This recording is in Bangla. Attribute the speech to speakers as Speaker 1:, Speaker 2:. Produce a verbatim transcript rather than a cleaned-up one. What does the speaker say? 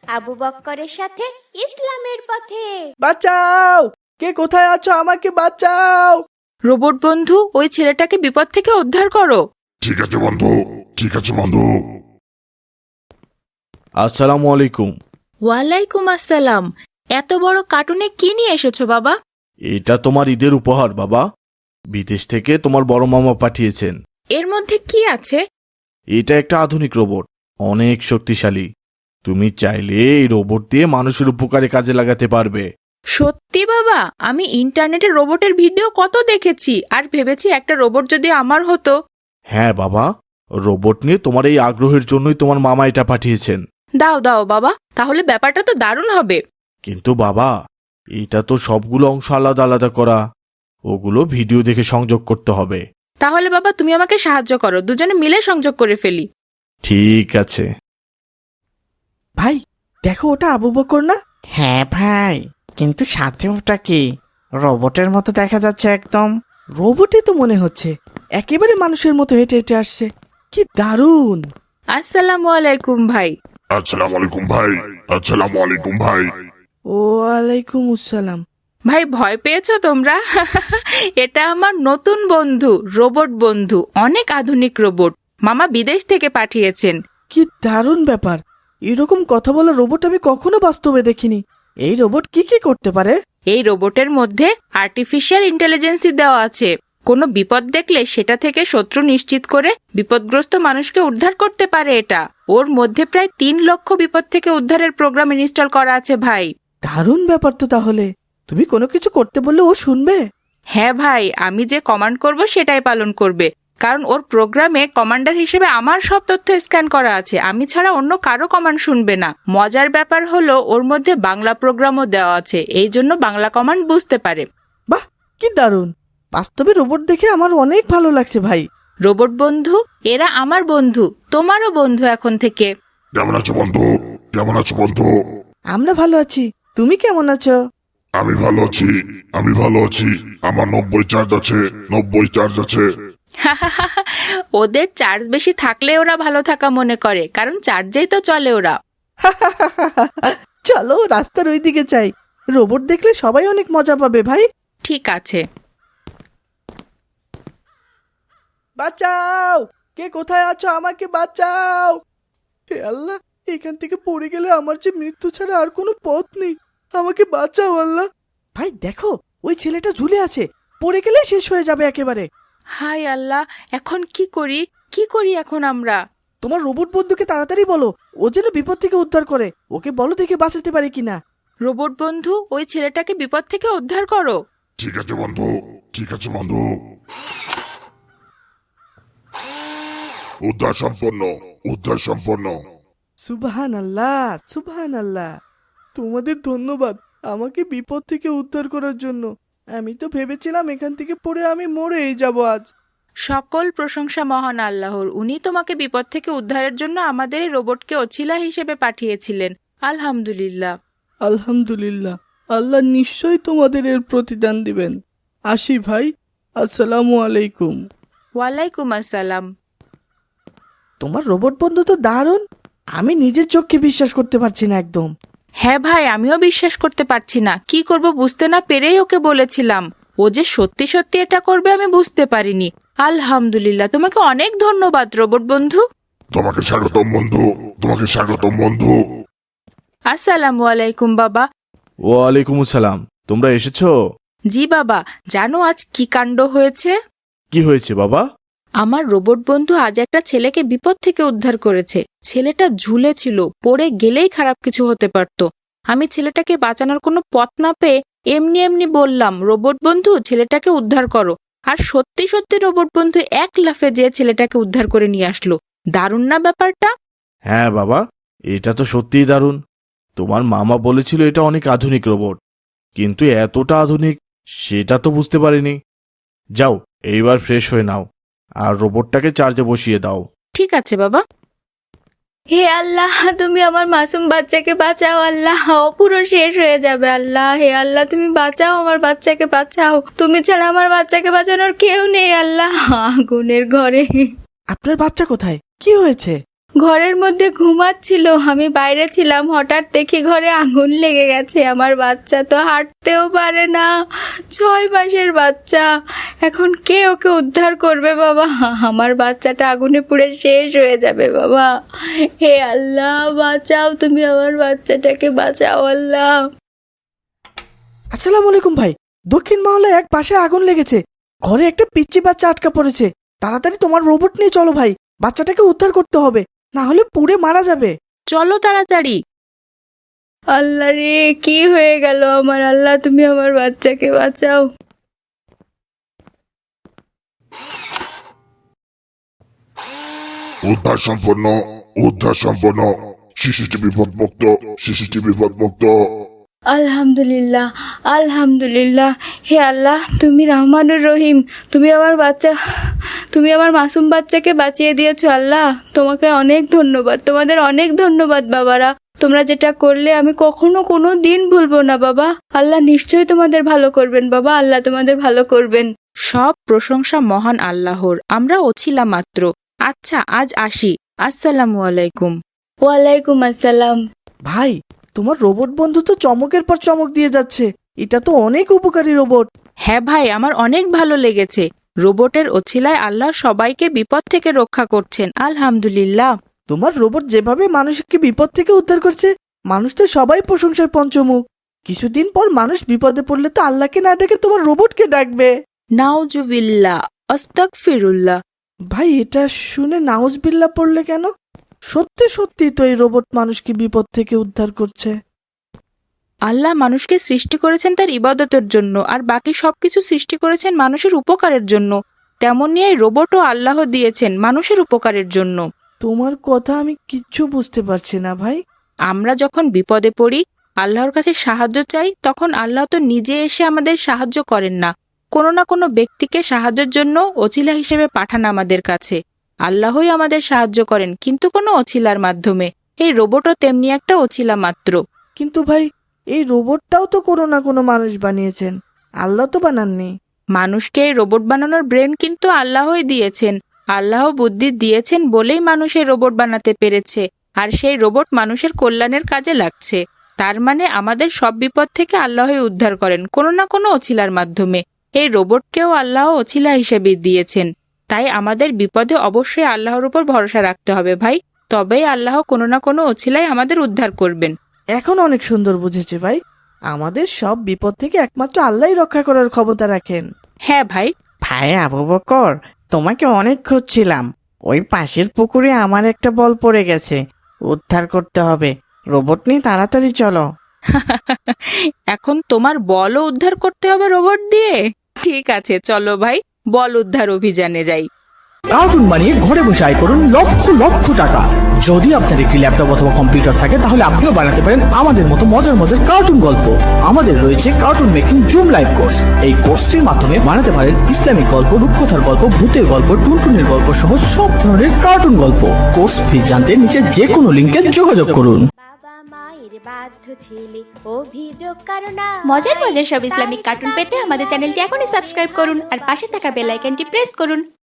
Speaker 1: আবু বক্করের সাথে ইসলামের পথে।
Speaker 2: বাঁচাও! কে কোথায় আছো? আমাকে বাঁচাও!
Speaker 3: রোবট বন্ধু, ওই ছেলেটাকে বিপদ থেকে উদ্ধার করো।
Speaker 4: ঠিক আছে বন্ধু, ঠিক আছে বন্ধু।
Speaker 5: আসসালামু আলাইকুম।
Speaker 3: ওয়ালাইকুম আসসালাম। এত বড় কার্টুনে কি নিয়ে এসেছো বাবা?
Speaker 5: এটা তোমার ঈদের উপহার বাবা। বিদেশ থেকে তোমার বড় মামা পাঠিয়েছেন।
Speaker 3: এর মধ্যে কি আছে?
Speaker 5: এটা একটা আধুনিক রোবট, অনেক শক্তিশালী। তুমি চাইলে এই রোবট দিয়ে মানুষের উপকারে কাজে লাগাতে পারবে।
Speaker 3: সত্যি বাবা? আমি ইন্টারনেটে রোবটের ভিডিও কত দেখেছি, আর ভেবেছি একটা রোবট যদি আমার হতো।
Speaker 5: হ্যাঁ বাবা, রোবট নিয়ে তোমার এই আগ্রহের জন্যই তোমার মামা এটা পাঠিয়েছেন।
Speaker 3: দাও দাও বাবা, তাহলে ব্যাপারটা তো দারুণ হবে।
Speaker 5: কিন্তু বাবা, এটা তো সবগুলো অংশ আলাদা আলাদা করা, ওগুলো ভিডিও দেখে সংযোগ করতে হবে।
Speaker 3: তাহলে বাবা তুমি আমাকে সাহায্য করো, দুজনে মিলে সংযোগ করে ফেলি।
Speaker 5: ঠিক আছে।
Speaker 2: ভাই দেখো, ওটা আবু বকর না?
Speaker 6: হ্যাঁ ভাই, কিন্তু সাথে ওটা কি? রোবটের মতো দেখা যাচ্ছে একদম।
Speaker 2: রোবটই তো মনে হচ্ছে, একেবারে মানুষের মতো হেঁটে হেঁটে আসছে। কি দারুণ!
Speaker 3: আসসালামু আলাইকুম ভাই।
Speaker 4: আসসালামু আলাইকুম ভাই, আসসালামু আলাইকুম ভাই।
Speaker 2: ওয়ালাইকুম আসসালাম।
Speaker 3: ভাই ভয় পেয়েছো তোমরা? এটা আমার নতুন বন্ধু, রোবট বন্ধু, অনেক আধুনিক রোবট, মামা বিদেশ থেকে পাঠিয়েছেন।
Speaker 2: কি দারুণ ব্যাপার! এরকম কথা বলা রোবট আমি কখনো বাস্তবে দেখিনি। এই রোবট কি কি করতে পারে?
Speaker 3: এই রোবটের মধ্যে আর্টিফিশিয়াল ইন্টেলিজেন্সি দেওয়া আছে। কোনো বিপদ দেখলে সেটা থেকে শত্রু নিশ্চিত করে বিপদগ্রস্ত মানুষকে উদ্ধার করতে পারে এটা। ওর মধ্যে প্রায় তিন লক্ষ বিপদ থেকে উদ্ধারের প্রোগ্রাম ইনস্টল করা আছে ভাই।
Speaker 2: দারুণ ব্যাপার তো তাহলে। তুমি কোনো কিছু করতে বললে ও শুনবে?
Speaker 3: হ্যাঁ ভাই, আমি যে কমান্ড করব সেটাই পালন করবে, কারণ ওর প্রোগ্রামে কমান্ডার হিসেবে আমার সব তথ্য স্ক্যান করা আছে। আমি ছাড়া অন্য কারো কমান্ড শুনবে না। মজার ব্যাপার হলো ওর মধ্যে বাংলা প্রোগ্রামও দেওয়া আছে, এই জন্য বাংলা কমান্ড বুঝতে পারে।
Speaker 2: বাহ, কি দারুণ! বাস্তবে রোবট দেখে আমার অনেক ভালো লাগছে ভাই।
Speaker 3: রোবট বন্ধু, এরা আমার বন্ধু, তোমারও বন্ধু এখন থেকে।
Speaker 4: কেমন আছো বন্ধু? কেমন আছো বন্ধু?
Speaker 2: আমরা ভালো আছি, তুমি কেমন আছো?
Speaker 4: আমি ভালো আছি, আমি ভালো আছি। আমার নব্বই চার্জ আছে, নব্বই চার্জ আছে।
Speaker 3: ওদের চার্জ বেশি থাকলে ওরা ভালো থাকা মনে করে, কারণ চার্জেই তো চলে ওরা।
Speaker 2: চলো রাস্তার ওই দিকে চাই, রোবট দেখলে সবাই অনেক মজা পাবে ভাই।
Speaker 3: ঠিক আছে।
Speaker 2: বাঁচাও! কে কোথায় আছো? আমাকে বাঁচাও! হে আল্লাহ, এখান থেকে পড়ে গেলে আমার যে মৃত্যু ছাড়া আর কোনো পথ নেই। আমাকে বাঁচাও আল্লাহ। ভাই দেখো, ওই ছেলেটা ঝুলে আছে, পড়ে গেলে শেষ হয়ে যাবে একেবারে।
Speaker 3: হাই আল্লাহ, এখন কি করি? কি করি এখন আমরা?
Speaker 2: তোমার রোবট বন্ধুকে তাড়াতাড়ি বলো, ও যেন বিপদ থেকে উদ্ধার করে। ওকে বলো দেখে বাঁচাতে পারে কিনা।
Speaker 3: রোবট বন্ধু, ওই ছেলেটাকে বিপদ থেকে উদ্ধার করো।
Speaker 4: ঠিক আছে বন্ধু, ঠিক আছে বন্ধু। উদ্ধার সম্পন্ন, উদ্ধার সম্পন্ন।
Speaker 2: সুবহান আল্লাহ, সুবহান আল্লাহ। তোমাদের ধন্যবাদ আমাকে বিপদ থেকে উদ্ধার করার জন্য। আমি তো ভেবেছিলাম এখান থেকে পড়ে আমি মরেই যাব আজ।
Speaker 3: সকল প্রশংসা মহান আল্লাহর, উনি তোমাকে বিপদ থেকে উদ্ধারের জন্য আমাদের এই রোবটকে ওছিলা হিসেবে পাঠিয়েছিলেন। আলহামদুলিল্লাহ।
Speaker 2: আলহামদুলিল্লাহ, আল্লাহ নিশ্চয়ই তোমাদের এর প্রতিদান দিবেন। আসি ভাই, আসসালামু আলাইকুম।
Speaker 3: ওয়ালাইকুম আসসালাম।
Speaker 2: তোমার রোবট বন্ধু তো দারুণ, আমি নিজের চোখকে বিশ্বাস করতে পারছি না একদম।
Speaker 3: হ্যাঁ ভাই, আমিও বিশ্বাস করতে পারছি না। কি করব বুঝতে না পেরেই ওকে বলেছিলাম। ও যে সত্যি সত্যি এটা করবে আমি বুঝতে পারিনি। আলহামদুলিল্লাহ, তোমাকে অনেক ধন্যবাদ রোবট বন্ধু।
Speaker 4: তোমাকে স্বাগতম বন্ধু, তোমাকে স্বাগতম বন্ধু।
Speaker 3: আসসালামু আলাইকুম বাবা।
Speaker 5: ওয়ালাইকুম আসসালাম। তোমরা এসেছো?
Speaker 3: জি বাবা, জানো আজ কি কাণ্ড হয়েছে?
Speaker 5: কি হয়েছে বাবা?
Speaker 3: আমার রোবট বন্ধু আজ একটা ছেলেকে বিপদ থেকে উদ্ধার করেছে। ছেলেটা ঝুলে ছিল, পড়ে গেলেই খারাপ কিছু হতে পারত। আমি ছেলেটাকে বাঁচানোর কোনো পথ না পেয়ে এমনি এমনি বললাম, রোবট বন্ধু ছেলেটাকে উদ্ধার করো। আর সত্যি সত্যি রোবট বন্ধু এক লাফে যেয়ে ছেলেটাকে উদ্ধার করে নিয়ে আসলো। দারুণ না ব্যাপারটা?
Speaker 5: হ্যাঁ বাবা, এটা তো সত্যিই দারুণ। তোমার মামা বলেছিল এটা অনেক আধুনিক রোবট, কিন্তু এতটা আধুনিক সেটা তো বুঝতে পারিনি। যাও, এইবার ফ্রেশ হয়ে নাও আর রোবটটাকে চার্জে বসিয়ে দাও।
Speaker 3: ঠিক আছে বাবা।
Speaker 1: হে আল্লাহ, তুমি আমার মাসুম বাচ্চাকে বাঁচাও আল্লাহ, ও পুরো শেষ হয়ে যাবে আল্লাহ। হে আল্লাহ, তুমি বাঁচাও, আমার বাচ্চাকে বাঁচাও। তুমি ছাড়া আমার বাচ্চাকে বাঁচানোর কেউ নেই আল্লাহ। আগুনের ঘরে।
Speaker 2: আপনার বাচ্চা কোথায়? কি হয়েছে?
Speaker 1: ঘরের মধ্যে ঘুমাচ্ছিল, আমি বাইরে ছিলাম, হঠাৎ দেখি ঘরে আগুন লেগে গেছে। আমার বাচ্চা তো হাঁটতেও পারে না, ছয় মাসের বাচ্চা। এখন কে ওকে উদ্ধার করবে বাবা? আমার বাচ্চাটা আগুনে পুড়ে শেষ হয়ে যাবে বাবা। হে আল্লাহ, বাঁচাও, তুমি আমার বাচ্চাটাকে বাঁচাও আল্লাহ।
Speaker 2: আসসালামু আলাইকুম ভাই। দক্ষিণ মহলে এক পাশে আগুন লেগেছে, ঘরে একটা পিচ্চি বাচ্চা আটকা পড়েছে। তাড়াতাড়ি তোমার রোবট নিয়ে চলো ভাই, বাচ্চাটাকে উদ্ধার করতে হবে, না হলে পুড়ে মারা যাবে।
Speaker 3: চলো তাড়াতাড়ি।
Speaker 1: আল্লাহ রে, কি হয়ে গেল আমার? আল্লাহ, তুমি আমার বাচ্চাকে বাঁচাও।
Speaker 4: উদ্ধার সম্পন্ন, উদ্ধার সম্পন্ন। শিশুটি বিপদমুক্ত, শিশুটি বিপদমুক্ত।
Speaker 1: আলহামদুলিল্লাহ, আলহামদুলিল্লাহ। হে আল্লাহ, তুমি রহমানুর রহিম। তুমি আমার বাচ্চা, তুমি আমার মাসুম বাচ্চাকে বাঁচিয়ে দিয়েছো আল্লাহ। তোমাকে অনেক ধন্যবাদ, তোমাদের অনেক ধন্যবাদ বাবারা। তোমরা যেটা করলে আমি কখনো কোনো দিন ভুলবো না বাবা। আল্লাহ নিশ্চয়ই তোমাদের ভালো করবেন বাবা, আল্লাহ তোমাদের ভালো করবেন।
Speaker 3: সব প্রশংসা মহান আল্লাহর, আমরা ওছিলা মাত্র। আচ্ছা, আজ আসি। আসসালামু আলাইকুম।
Speaker 1: ওয়ালাইকুম আসসালাম।
Speaker 2: ভাই, তোমার রোবট বন্ধু তো চমকের পর চমক দিয়ে যাচ্ছে। এটা তো অনেক উপকারী রোবট।
Speaker 3: হ্যাঁ ভাই, আমার অনেক ভালো লেগেছে। রোবটের ওছিলায় আল্লাহ সবাইকে বিপদ থেকে রক্ষা করছেন, আলহামদুলিল্লাহ।
Speaker 2: তোমার রোবট যেভাবে মানুষকে বিপদ থেকে উদ্ধার করছে, মানুষ তো সবাই প্রশংসায় পঞ্চমুখ। কিছুদিন পর মানুষ বিপদে পড়লে তো আল্লাহকে না ডেকে তোমার রোবটকে ডাকবে।
Speaker 3: নাউজুবিল্লাহ, আস্তাগফিরুল্লাহ।
Speaker 2: ভাই, এটা শুনে নাউজবিল্লাহ পড়লে কেন? সত্যি সত্যি তো এই রোবট মানুষকে বিপদ থেকে উদ্ধার করছে।
Speaker 3: আল্লাহ মানুষকে সৃষ্টি করেছেন তার ইবাদতের জন্য, আর বাকি সবকিছু সৃষ্টি করেছেন মানুষের উপকারের জন্য। তেমনি এই রোবটও আল্লাহ দিয়েছেন মানুষের উপকারের জন্য।
Speaker 2: তোমার কথা আমি কিচ্ছু বুঝতে পারছি না ভাই।
Speaker 3: আমরা যখন বিপদে পড়ি, আল্লাহর কাছে সাহায্য চাই, তখন আল্লাহ তো নিজে এসে আমাদের সাহায্য করেন না, কোনো না কোনো ব্যক্তিকে সাহায্যের জন্য ওছিলা হিসেবে পাঠান আমাদের কাছে। আল্লাহই আমাদের সাহায্য করেন, কিন্তু কোনো ওছিলার মাধ্যমে। এই রোবটও তেমনি একটা ওছিলা মাত্র।
Speaker 2: কিন্তু ভাই, এই রোবটটাও তো কোনো না কোনো মানুষ বানিয়েছেন, আল্লাহ তো বানাননি।
Speaker 3: মানুষকে এই রোবট বানানোর ব্রেন কিন্তু আল্লাহই দিয়েছেন। আল্লাহ বুদ্ধি দিয়েছেন বলেই মানুষ এই রোবট বানাতে পেরেছে, আর সেই রোবট মানুষের কল্যাণের কাজে লাগছে। তার মানে আমাদের সব বিপদ থেকে আল্লাহই উদ্ধার করেন, কোনো না কোনো ওছিলার মাধ্যমে। এই রোবটকেও আল্লাহ ওছিলা হিসেবে দিয়েছেন। তাই আমাদের বিপদে অবশ্যই আল্লাহর উপর ভরসা রাখতে হবে ভাই, তবেই আল্লাহ কোনো না কোনো ওছিলাই আমাদের উদ্ধার করবেন।
Speaker 2: এখন অনেক সুন্দর বুঝেছি ভাই। আমাদের সব বিপদ থেকে একমাত্র আল্লাহই রক্ষা করার ক্ষমতা রাখেন।
Speaker 3: হ্যাঁ ভাই।
Speaker 6: ভাই আবু বকর, তোমাকে অনেক খুঁজছিলাম। ওই পাশের পুকুরে আমার একটা বল পড়ে গেছে, উদ্ধার করতে হবে। রোবট নিয়ে তাড়াতাড়ি চলো।
Speaker 3: এখন তোমার বলও উদ্ধার করতে হবে রোবট দিয়ে? ঠিক আছে, চলো ভাই, বল উদ্ধার অভিযানে যাই।
Speaker 7: কার্টুন বানিয়ে ঘরে বসে আয় করুন লক্ষ লক্ষ টাকা। যদি আপনার একটি ল্যাপটপ অথবা কম্পিউটার থাকে, তাহলে আপনিও বানাতে পারেন আমাদের মতো মজার মজার কার্টুন গল্প। আমাদের রয়েছে cartoon making zoom live course. এই কোর্সটির মাধ্যমে বানাতে পারেন ইসলামিক গল্প, রূপকথার গল্প, ভূতের গল্প, টুনটুনের গল্প সহ সব ধরনের কার্টুন গল্প। কোর্স ফি জানতে নিচে যে কোনো লিঙ্কে যোগাযোগ করুন।
Speaker 1: মজার মজার সব ইসলামিক কার্টুন পেতে আমাদের চ্যানেলটি এখনই সাবস্ক্রাইব করুন আর পাশে থাকা বেল আইকনটি প্রেস করুন।